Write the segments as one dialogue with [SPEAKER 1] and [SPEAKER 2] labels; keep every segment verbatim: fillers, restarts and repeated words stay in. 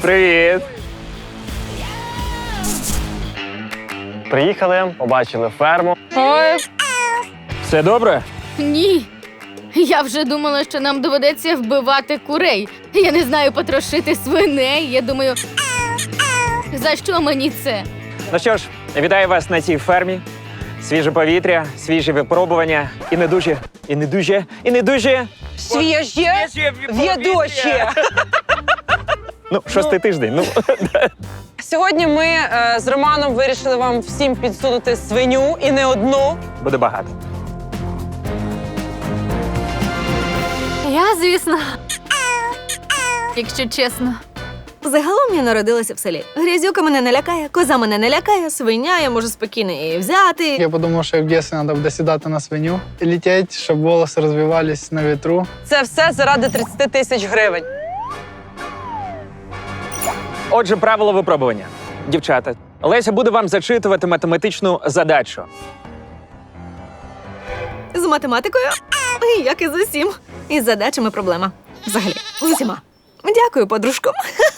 [SPEAKER 1] Привіт! Приїхали, побачили ферму.
[SPEAKER 2] Ой.
[SPEAKER 1] Все добре?
[SPEAKER 2] Ні. Я вже думала, що нам доведеться вбивати курей. Я не знаю потрошити свиней. Я думаю, за що мені це?
[SPEAKER 1] Ну що ж, вітаю вас на цій фермі. Свіже повітря, свіжі випробування. І не дуже, і не дуже, і не дуже.
[SPEAKER 3] Свіже, відоще.
[SPEAKER 1] Ну, шостий тиждень. Ну,
[SPEAKER 3] Сьогодні ми е, з Романом вирішили вам всім підсунути свиню і не одну.
[SPEAKER 1] буде багато.
[SPEAKER 2] Я, звісно. Якщо чесно.
[SPEAKER 4] Загалом я народилася в селі. Грязюка мене не лякає, коза мене не лякає, свиня, я можу спокійно її взяти.
[SPEAKER 5] Я подумав, що в дитинстві треба буде сідати на свиню, летіти, щоб волоси розвивались на вітру.
[SPEAKER 3] Це все заради тридцять тисяч гривень.
[SPEAKER 1] Отже, правило випробування. Дівчата, Леся буде вам зачитувати математичну задачу.
[SPEAKER 4] З математикою, як і з усім. І з задачами проблема. Взагалі, з усіма. Дякую, подружко.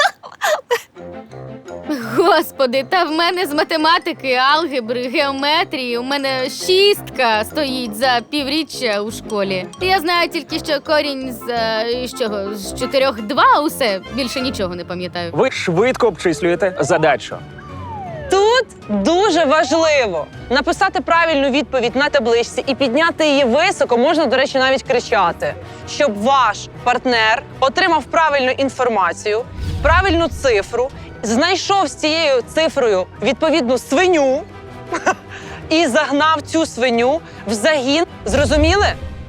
[SPEAKER 2] Господи, та в мене з математики, алгебри, геометрії у мене шістка стоїть за півріччя у школі. Я знаю тільки, що корінь з, е, з чого, з чотирьох два усе, більше нічого не пам'ятаю.
[SPEAKER 1] Ви швидко обчислюєте задачу.
[SPEAKER 3] Тут дуже важливо написати правильну відповідь на табличці і підняти її високо, можна, до речі, навіть кричати, щоб ваш партнер отримав правильну інформацію, правильну цифру, знайшов з цією цифрою відповідну свиню і загнав цю свиню в загін. Зрозуміли?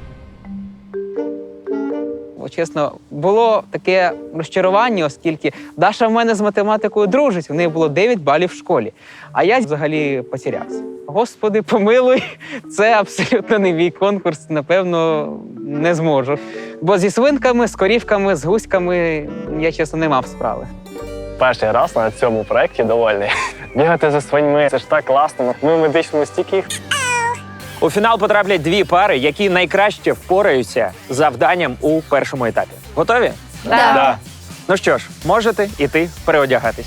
[SPEAKER 6] Чесно, було таке розчарування, оскільки Даша в мене з математикою дружить, у неї було дев'ять балів в школі, а я взагалі потерявся. Господи, помилуй, це абсолютно не мій конкурс, напевно, не зможу. Бо зі свинками, з корівками, з гуськами я, чесно, не мав справи.
[SPEAKER 1] Перший раз на цьому проєкті довольний. Бігати за свиньми – це ж так класно. Ми в медичному стільки їх. У фінал потраплять дві пари, які найкраще впораються з завданням у першому етапі. Готові?
[SPEAKER 2] Да.
[SPEAKER 1] Да. Ну що ж, можете іти переодягатися.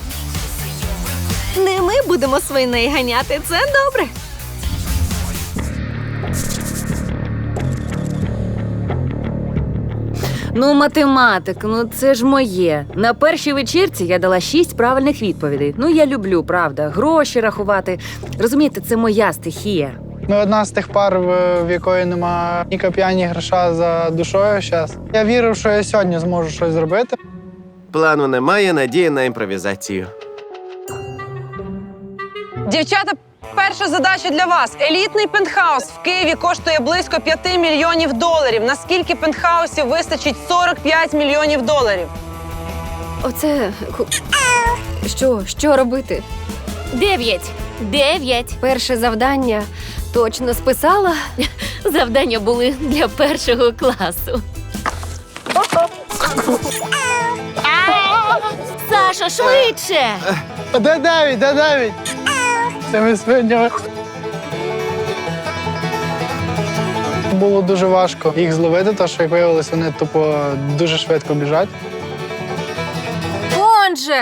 [SPEAKER 4] Не ми будемо свиней ганяти, це добре.
[SPEAKER 7] Ну, математик, ну це ж моє. На першій вечірці я дала шість правильних відповідей. Ну, я люблю, правда, гроші рахувати. Розумієте, це моя стихія.
[SPEAKER 5] Ми одна з тих пар, в, в якої нема ні коп'я, ні гроша за душою зараз. Я вірив, що я сьогодні зможу щось зробити.
[SPEAKER 8] Плану немає, надії на імпровізацію.
[SPEAKER 3] Дівчата, перша задача для вас. Елітний пентхаус в Києві коштує близько п'яти мільйонів доларів. Наскільки пентхаусів вистачить сорок п'ять мільйонів доларів?
[SPEAKER 9] Оце... ку- Що? Що робити?
[SPEAKER 2] Дев'ять. Дев'ять.
[SPEAKER 9] Перше завдання точно списала.
[SPEAKER 2] Завдання були для першого класу. Сашо, швидше!
[SPEAKER 5] А де дев'ять, де дев'ять? Це ми свиня. Було дуже важко їх зловити, тому що, як виявилось, вони тупо дуже швидко біжать.
[SPEAKER 2] Он же!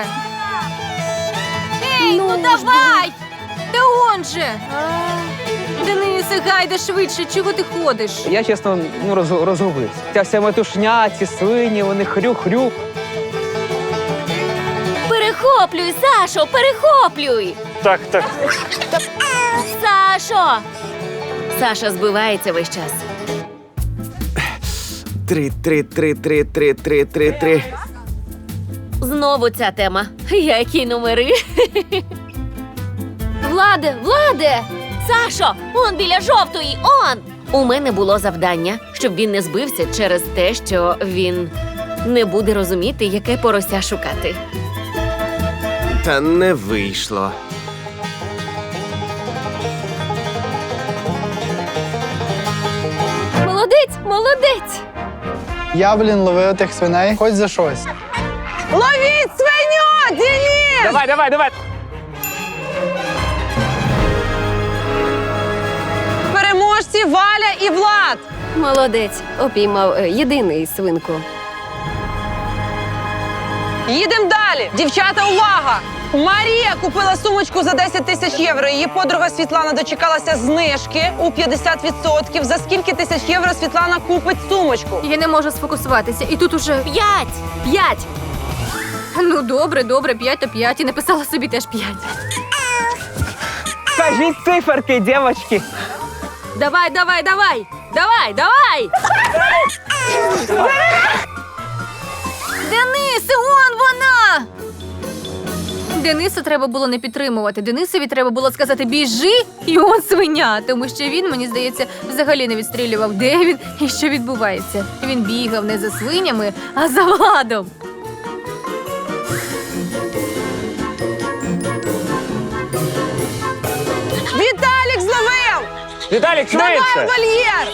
[SPEAKER 2] Ей, ну, давай! Та он же! Денисе, гайда швидше, чого ти ходиш?
[SPEAKER 6] Я, чесно, ну, роз, розгубився. Ця вся метушня, ці свині, вони хрю-хрю.
[SPEAKER 2] Перехоплюй, Сашо, перехоплюй!
[SPEAKER 1] Так, так.
[SPEAKER 2] Сашо!
[SPEAKER 7] Саша збивається весь час.
[SPEAKER 8] Три, три, три, три, три, три, три, три.
[SPEAKER 2] Знову ця тема. Які номери? Владе, Владе! Сашо, он біля жовтої, он!
[SPEAKER 7] У мене було завдання, щоб він не збився через те, що він не буде розуміти, яке порося шукати.
[SPEAKER 8] Та не вийшло.
[SPEAKER 2] Молодець, молодець!
[SPEAKER 5] Я, блін, ловив тих свиней хоч за щось.
[SPEAKER 3] Ловіть свиню, Денис!
[SPEAKER 1] Давай, давай, давай.
[SPEAKER 3] Переможці Валя і Влад!
[SPEAKER 9] Молодець, опіймав е, єдиний свинку.
[SPEAKER 3] Їдемо далі. Дівчата, увага! Марія купила сумочку за десять тисяч євро. Її подруга Світлана дочекалася знижки у п'ятдесят відсотків. За скільки тисяч євро Світлана купить сумочку?
[SPEAKER 2] Я не можу сфокусуватися. І тут уже п'ять!
[SPEAKER 7] П'ять!
[SPEAKER 2] Ну добре, добре, п'ять то п'ять. І написала собі теж п'ять.
[SPEAKER 6] Скажіть циферки, дівчатки.
[SPEAKER 7] Давай, давай, давай! Давай, давай!
[SPEAKER 2] Денисе, он вона! Дениса треба було не підтримувати. Денисові треба було сказати «біжи» і он свиня. Тому що він, мені здається, взагалі не відстрілював, де він і що відбувається. Він бігав не за свинями, а за Владом.
[SPEAKER 3] Віталік зловив!
[SPEAKER 1] Віталік,
[SPEAKER 3] Давай
[SPEAKER 1] швидше!
[SPEAKER 3] вольєр!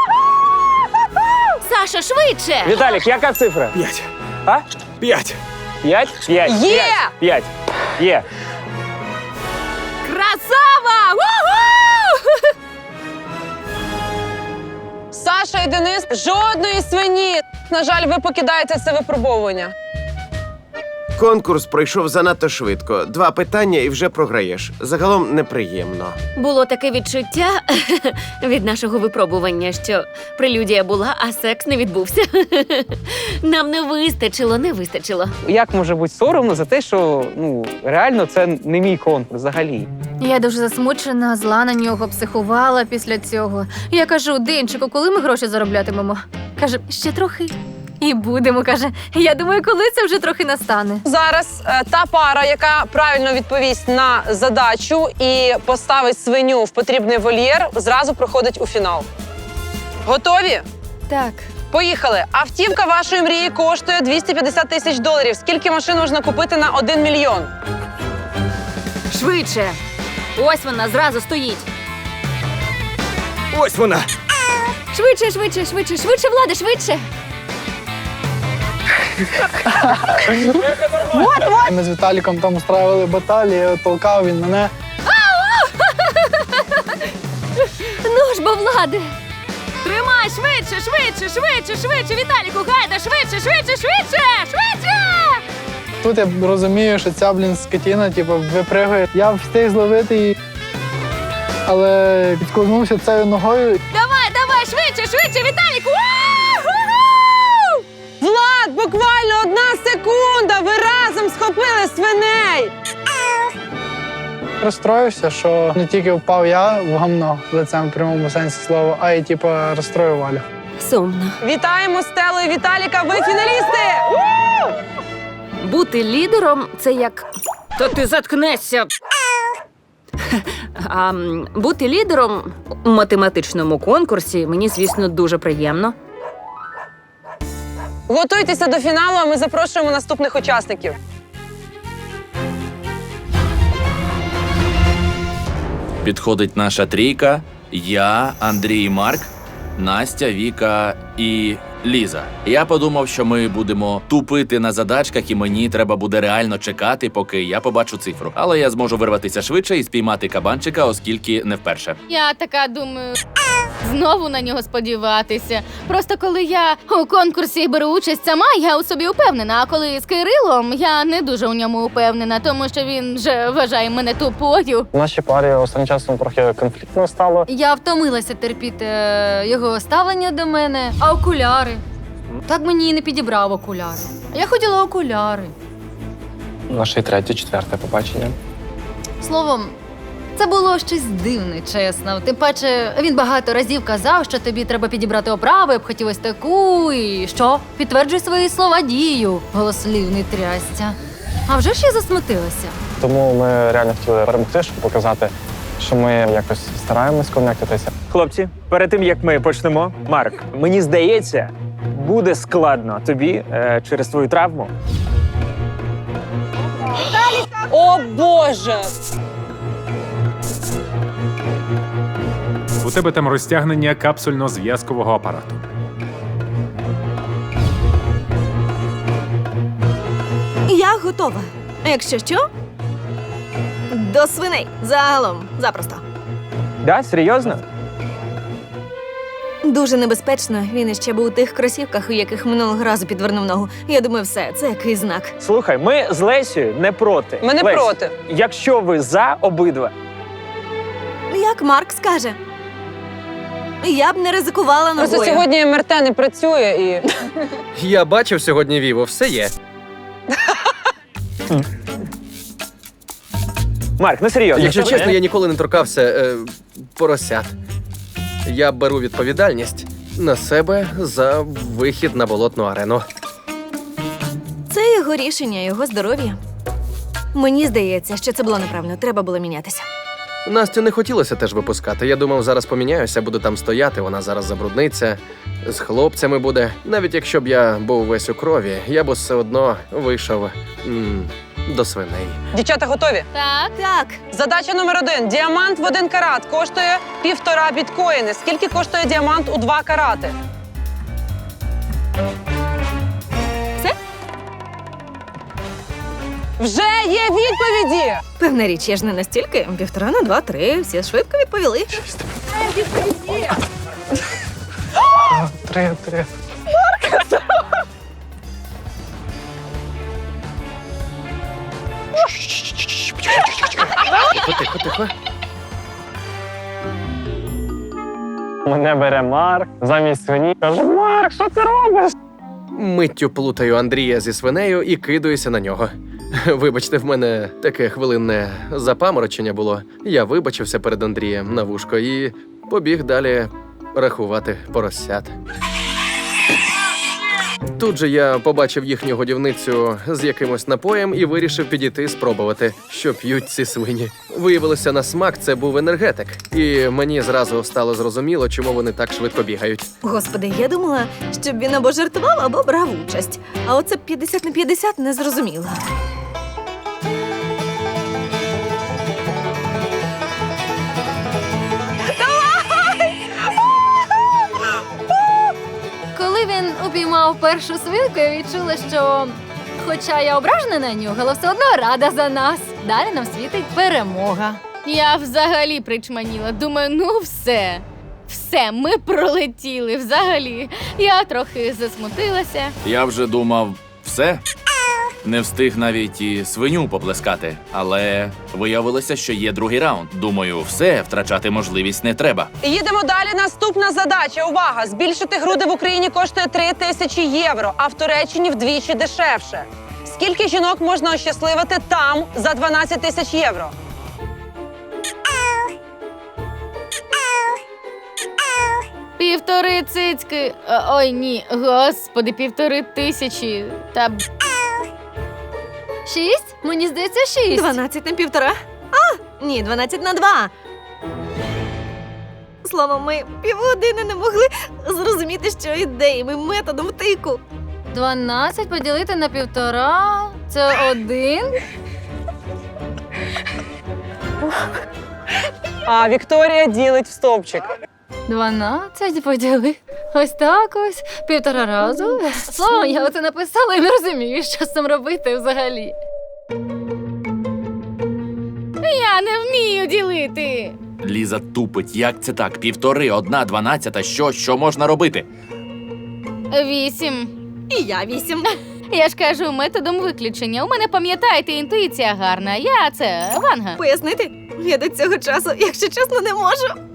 [SPEAKER 2] Саша, швидше!
[SPEAKER 1] Віталік, яка цифра?
[SPEAKER 8] П'ять.
[SPEAKER 1] А?
[SPEAKER 8] П'ять.
[SPEAKER 1] П'ять? П'ять.
[SPEAKER 3] Є!
[SPEAKER 1] П'ять. П'ять. Є.
[SPEAKER 2] Красава! Уху!
[SPEAKER 3] Саша і Денис, жодної свині. На жаль, ви покидаєте це випробовування.
[SPEAKER 8] Конкурс пройшов занадто швидко. Два питання і вже програєш. Загалом неприємно.
[SPEAKER 7] Було таке відчуття від нашого випробування, що прелюдія була, а секс не відбувся. Нам не вистачило, не вистачило.
[SPEAKER 6] Як може бути соромно за те, що ну реально це не мій конкурс взагалі?
[SPEAKER 2] Я дуже засмучена, зла на нього, психувала після цього. Я кажу, Денчику, коли ми гроші зароблятимемо? Каже, ще трохи. І будемо, каже. Я думаю, коли це вже трохи настане.
[SPEAKER 3] Зараз е, та пара, яка правильно відповість на задачу і поставить свиню в потрібний вольєр, зразу проходить у фінал. Готові?
[SPEAKER 2] Так.
[SPEAKER 3] Поїхали. Автівка вашої мрії коштує двісті п'ятдесят тисяч доларів. Скільки машин можна купити на один мільйон?
[SPEAKER 7] Швидше! Ось вона зразу стоїть.
[SPEAKER 8] Ось вона.
[SPEAKER 2] Швидше, швидше, швидше, швидше, Влади, швидше.
[SPEAKER 5] Ми з Віталіком там устраивали баталії, толкав він мене.
[SPEAKER 2] Ну ж бо, Влади.
[SPEAKER 7] Тримай, швидше, швидше, швидше, швидше, Віталіку, гайда, швидше, швидше, швидше, швидше!
[SPEAKER 5] Тут я розумію, що ця, блін, скотіна, типу, випригує. Я встиг зловити її, але підколзнувся цією ногою.
[SPEAKER 2] Давай, давай, швидше, швидше, Віталіку!
[SPEAKER 3] Влад, буквально одна секунда! Ви разом схопили свиней!
[SPEAKER 5] Розстроївся, що не тільки впав я в гамно лицем в прямому сенсі слова, а й типу, розстроїв Валю.
[SPEAKER 7] Сумно.
[SPEAKER 3] Вітаємо Стелу і Віталіка! Ви фіналісти!
[SPEAKER 7] Бути лідером – це як… То ти заткнешся! А м, бути лідером у математичному конкурсі мені, звісно, дуже приємно.
[SPEAKER 3] Готуйтеся до фіналу, а ми запрошуємо наступних учасників.
[SPEAKER 10] Підходить наша трійка. Я, Андрій і Марк, Настя, Віка і Ліза. Я подумав, що ми будемо тупити на задачках, і мені треба буде реально чекати, поки я побачу цифру. Але я зможу вирватися швидше і спіймати кабанчика, оскільки не вперше.
[SPEAKER 2] Я така думаю, знову на нього сподіватися. Просто коли я у конкурсі беру участь сама, я у собі упевнена. А коли з Кирилом, я не дуже у ньому упевнена, тому що він вже вважає мене тупою.
[SPEAKER 11] В нашій парі останнім часом трохи конфліктно стало.
[SPEAKER 2] Я втомилася терпіти е, його ставлення до мене. А окуляри? Так мені і не підібрав окуляри. Я хотіла окуляри.
[SPEAKER 11] Наше третє, четверте побачення.
[SPEAKER 2] Словом, це було щось дивне, чесно. Тим паче, він багато разів казав, що тобі треба підібрати оправу, я б хотів ось таку, і що? Підтверджуй свої слова дію, голослівний трястя. А вже ж я засмутилася.
[SPEAKER 11] Тому ми реально хотіли перемогти, щоб показати, що ми якось стараємось конектитися.
[SPEAKER 1] Хлопці, перед тим як ми почнемо, Марк, мені здається, буде складно тобі е, через твою травму.
[SPEAKER 3] О, Боже!
[SPEAKER 12] У тебе там розтягнення капсульно-зв'язкового апарату.
[SPEAKER 4] Я готова. А якщо що, до свиней. Загалом, запросто.
[SPEAKER 1] Да, серйозно?
[SPEAKER 4] Дуже небезпечно. Він іще був у тих кросівках, у яких минулого разу підвернув ногу. Я думаю, все, це який знак.
[SPEAKER 1] Слухай, ми з Лесією не проти.
[SPEAKER 3] Ми не
[SPEAKER 1] Лесь,
[SPEAKER 3] проти.
[SPEAKER 1] Якщо ви за обидва,
[SPEAKER 4] Як Марк скаже. Я б не ризикувала ногою.
[SPEAKER 3] Просто сьогодні ем ер те не працює і.
[SPEAKER 13] Я бачив сьогодні Віво, все є.
[SPEAKER 1] Марк, ну серйозно.
[SPEAKER 13] Якщо чесно, я ніколи не торкався е, поросят. Я беру відповідальність на себе за вихід на болотну арену.
[SPEAKER 4] Це його рішення, його здоров'я. Мені здається, що це було неправильно. Треба було мінятися.
[SPEAKER 13] Настю не хотілося теж випускати. Я думав, зараз поміняюся, буду там стояти, вона зараз забрудниться, з хлопцями буде. Навіть якщо б я був весь у крові, я б все одно вийшов м, до свиней.
[SPEAKER 3] Дівчата готові?
[SPEAKER 2] Так.
[SPEAKER 4] Так.
[SPEAKER 3] Задача номер один. Діамант в один карат коштує півтора біткоїни. Скільки коштує діамант у два карати?
[SPEAKER 4] Все?
[SPEAKER 3] Вже є відповіді!
[SPEAKER 4] Певна річ, я ж не настільки. Півтора на два, три. Всі швидко відповіли.
[SPEAKER 5] Три, три.
[SPEAKER 13] Тихо, тихо, тихо.
[SPEAKER 11] Мене бере Марк замість свині. Каже, Марк, що ти робиш?
[SPEAKER 13] Миттю плутаю Андрія зі свинею і кидаюся на нього. Вибачте, в мене таке хвилинне запаморочення було. Я вибачився перед Андрієм на вушко і побіг далі рахувати поросят. Тут же я побачив їхню годівницю з якимось напоєм і вирішив підійти спробувати, що п'ють ці свині. Виявилося, на смак це був енергетик. І мені зразу стало зрозуміло, чому вони так швидко бігають.
[SPEAKER 4] Господи, я думала, щоб він або жартував, або брав участь. А оце п'ятдесят на п'ятдесят не зрозуміло.
[SPEAKER 14] Коли він упіймав першу свинку, я відчула, що, хоча я ображена на нього, але все одно рада за нас. Далі нам світить перемога.
[SPEAKER 2] Я взагалі причманіла. Думаю, ну все. Все, ми пролетіли взагалі. Я трохи засмутилася.
[SPEAKER 10] Я вже думав, все. Не встиг навіть і свиню поплескати. Але виявилося, що є другий раунд. Думаю, все, втрачати можливість не треба.
[SPEAKER 3] Їдемо далі. Наступна задача. Увага! Збільшити груди в Україні коштує три тисячі євро, а в Туреччині вдвічі дешевше. Скільки жінок можна ощасливити там за дванадцять тисяч євро?
[SPEAKER 2] Півтори цицьки. Е, Ой, ні, господи, півтори тисячі. Та б-
[SPEAKER 14] Шість? Мені здається, шість.
[SPEAKER 4] Дванадцять на півтора? А, ні, дванадцять на два. Словом, ми півгодини не могли зрозуміти, що ідеями методом втику.
[SPEAKER 14] Дванадцять поділити на півтора – це один.
[SPEAKER 3] А Вікторія ділить в стовпчик.
[SPEAKER 14] Дванадцять поділи. Ось так ось. Півтора разу. Словом, я оце написала і не розумію, що з цим робити взагалі.
[SPEAKER 2] Я не вмію ділити.
[SPEAKER 10] Ліза тупить. Як це так? Півтори, одна, дванадцята. Що? Що можна робити?
[SPEAKER 2] Вісім.
[SPEAKER 4] І я вісім.
[SPEAKER 2] Я ж кажу, методом виключення. У мене, пам'ятаєте, інтуїція гарна. Я це Ванга.
[SPEAKER 4] Пояснити? Я до цього часу, якщо чесно, не можу.